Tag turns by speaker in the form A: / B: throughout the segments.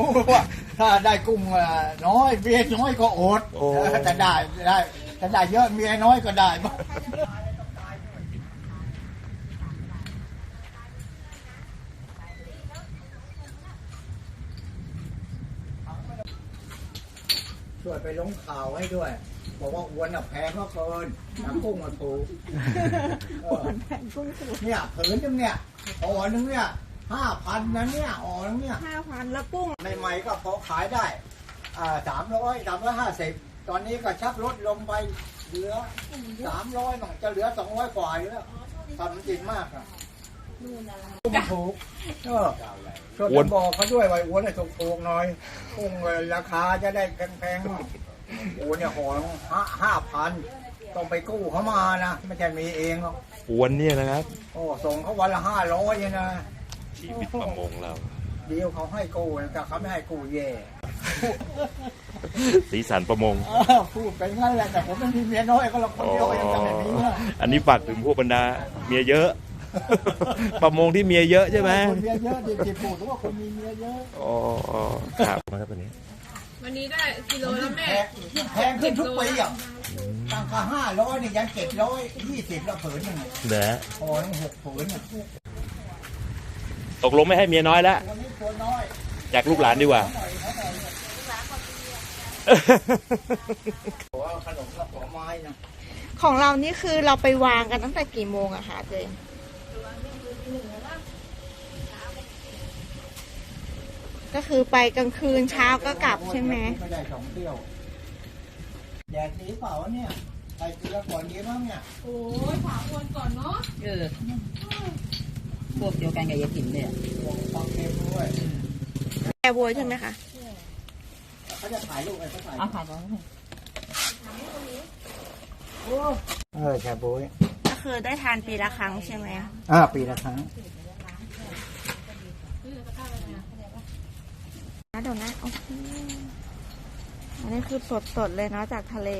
A: ว่าถ้าได้กุ้งน้อยเมียน้อยก็อดแต่ได้แต่ได้เยอะเมียน้อยก็ได้ช่วยไปลงข่าวให้ด้วยบอกว่าอวนแพงก็เกินกุ้งมาถูก
B: แพงกุ้งถูก
A: เนี่ยผืนนึงเนี่ยอ่อนึงเนี่ย5,000นะเนี่ยอ่อนึงเนี่ย
B: 5,000แล้วกุ้ง
A: ใหม่ๆก็พอขายได้350ตอนนี้ก็ชักลดลงไปเหลือ300บ้างจะเหลือ200กว่าอยู่แล้วทำจริงมากอ่ะกุ้งถูกช่วยบอกเขาด้วยว่าอ้วนให้ถูกๆหน่อยกุ้งราคาจะได้แพงๆโอ้เนี่ยห่อ5,000ต้องไปกู้เขามานะไม่ใช่มีเองหรอก
C: อ้วนเนี่ยนะครับ
A: โอ้ส่งเขาวันละ500นะ
C: ชีวิตประมงเรา
A: เดียวเขาให้กู้แต่เขาไม่ให้กู้แย่
C: สีสันประมง
A: พูดไปงั้นแหละแต่ผมไม่มีเมียน้อยก็เราคนเดียวยังจะไม่มี
C: อันนี้ฝากถึงพวกบรรดาเมียเยอะประมงที่เมียเยอะใช่ไหม
A: คนเมียเยอะที่พูดว่าคนมีเมียเยอะ
C: อ๋อครับมาครับ
D: วันนี้ได้กิโลแล้วแม่
A: แพงขึ้นทุกปีอ่ะตั้งแต่500นี่ยัง720แล้วผืนนึง
C: เด้อ
A: พอทั้ง6ผืน
C: ตกลงไม่ให้เมียน้อยแล้วอยากลูกหลานดีกว่า
A: ขนมกับผลไม้นะ
B: ของเรานี่คือเราไปวางกันตั้งแต่กี่โมงอะคะเจนก็คือไปกลางคืนเช้าก็กลับใช่ไหม
A: ไม่ได้2 เที่ยวแดดดีเปล่าเนี่ยใส่เกลือก่อนดีมั้งเนี่ย
D: โอ้ยถามวนก่อนเนาะ
E: พวกเดียวกันกับยาถิ่นเนี่ย
A: ฟังเพลงด้วย
B: แกบัวใช่ไหมคะ
A: เขาจะถ่ายรูปอะไรเขาถ่าย
E: ถ่ายก่อน
A: แช่บ๊วย
B: ก็คือได้ทานปีละครั้งใช่ไหม
A: ปีละครั้ง
B: เดี๋ยวนะโอเคอันนี้คือสดๆเลยเนาะจากทะเล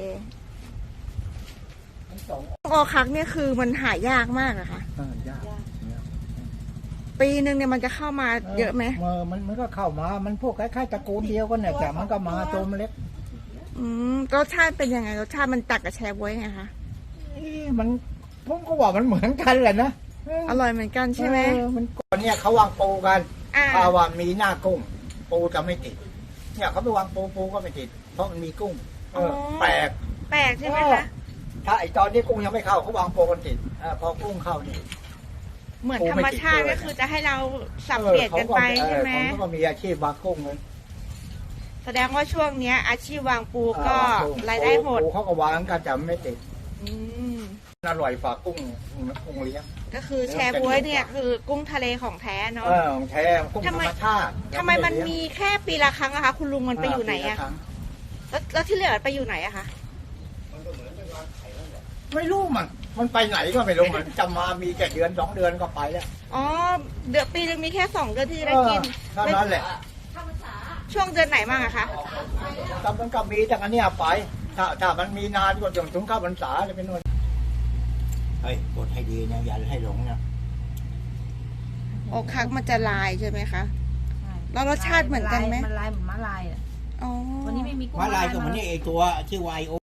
B: โอคักเนี่ยคือมันหายากมากอะค่ะ
A: ยาก
B: ปีหนึ่งเนี่ยมันจะเข้ามาเยอะไหม
A: มันก็เข้ามามันพวกคล้ายๆตระกูลเดียวกันเนี่ยแต่มันก็มาตัวมันเล็ก
B: รสชาติเป็นยังไงรสชาติมันตักกับแชร์บ๊วยไงคะ
A: มันผมก็ว่ามันเหมือนกันแหละนะ
B: อร่อยเหมือนกันใช่ไหม
A: มันก่อนเนี่ยเขาวางปูกันว่ามีหน้ากุ้งปูจะไม่ติดเนี่ยเขาไปวางปูก็ไม่ติดเพราะมันมีกุ้งแปล
B: กใช่ไหมคะ
A: ถ้าไอตอนนี้กุ้งยังไม่เข้าเขาวางปูกันติดพอกุ้งเข้านี่
B: เหมือนธรรมชาติก็คือจะให้เราสับเปลี่ยนกันไปใช่ไหม
A: เขาก็มีอาชีพวางกุ้งเลย
B: แสดงว่าช่วงนี้อาชีพวางปูก็รายได้หด
A: ปูเขาก็วางกันแต่ไม่ติดอร่อยฝากกุ้งเลี้ยง
B: ก็คือแชร์บ๊วยเนี่ยคือกุ้งทะเลของแท้เนาะ
A: ของแท้กุ้งธรรมชาติ
B: ทำไมมันมีแค่ปีละครั้งอะคะคุณลุงมันไปอยู่ไหนอะแล้วที่เหลือไปอยู่ไหนอะคะ
A: ไม่รู้มันไปไหนก็ไม่รู้มันจะมามีแค่เดือน2 เดือนก็ไปแล้ว
B: เดือนปีนึงมีแค่2 เดือนที่ได้กิน
A: เท่านั้นแหละ
B: ช่วงเดือนไหนบ้างอะคะ
A: แต่มันก็มีจากอันนี้ไปถ้ามันมีนานกว่าถึงเข้าพรรษาจะเป็นนู่นเฮ้ยกดให้ดีนะอย่าให้หลงนะ
B: โอคักมันจะลายใช่ไหมคะแล้วรสชาติเหมือนกันไหม
E: มันลายเหมือนมะลายวันนี้ไม่มี
A: มะลายก็เหมือนนี่ไอตัวชื่อไวโอ